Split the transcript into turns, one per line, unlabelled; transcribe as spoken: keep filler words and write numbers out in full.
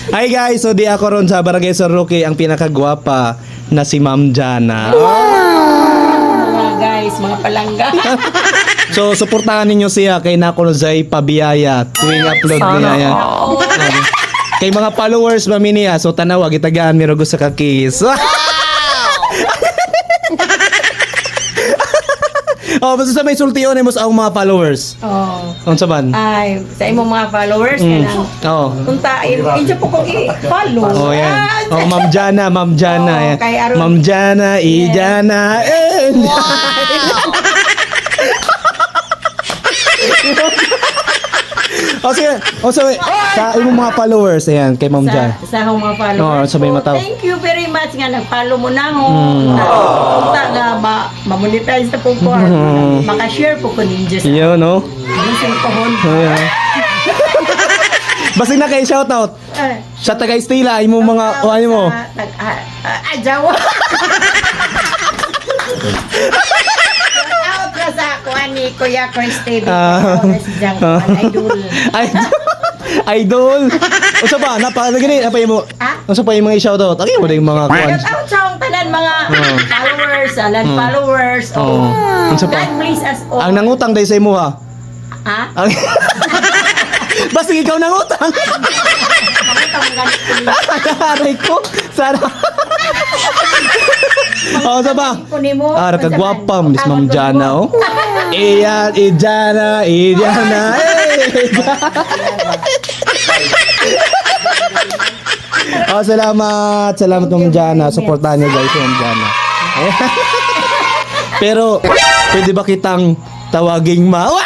Hi guys, so di ako ron sa Barangay Sir Roque ang pinakagwapa na si Ma'am Jana.
Mga guys, mga palangga.
So suportahan ninyo siya kay Nako Zay pabiyaya tuwing upload niya yan. Kay mga followers mami niya, so tanawa gitagaan mi rugo sa kakis. Oh, basta sa may sultiyon mo sa akong mga followers.
Oh.
Unsa man?
Ay, sa imong mga followers,
Mm.
kanang
Oo.
punta, inyo po kong i-follow.
Oh, yan.
Ah,
Oh, Ma'am Jana, Ma'am Jana.
Oh,
yan.
kay Aron.
Ma'am Jana, Ijana, and... O sige, o so, sa imong mga followers, ayan, kay Ma'am Jana.
sa, sa akong mga followers.
Oo, sabay
ko,
mataw.
Thank you very much nga nag-follow mo na ako.
Mm.
Punta nga ma ma-monetize na po ko.
Mm.
Maka-share po ko ninja sa
Iyo, no?
Listen ko hon.
Ayan. Basta na kay shoutout.
Eh,
Sa taga Estila, imong mga, o ano mo?
sa- tag- ah, ah, ah, Jawa. Out ka sa kuan ni Kuya Chris T V.
Ah.
Si Jang,
Ah.
idol.
Idol. Idol. O sa ba, napalagay apa yung mo?
Ah?
O sa pa yung mga shoutout? Ano mo yung mga kuan?
Shout out sa akong tanan mga
Oh.
followers, alan followers.
Oh.
Oh.
Ano sa pa?
God bless us all.
Ang nangutang dahil sa imo ha.
Ha?
Ang... Basta ikaw nangutang.
Makita mo ganit ko ni-
Aray ko. Sana. O sa ba?
ko nimo.
Ah, nakagwapa, Miss Ma'am Jana, oh. Iyan, Ijana, Ijana, eh. Oh, salamat. Salamat Ma'am Jana. Supportahan niyo guys, Ma'am Jana. Eh. Pero, pwede ba kitang tawaging ma?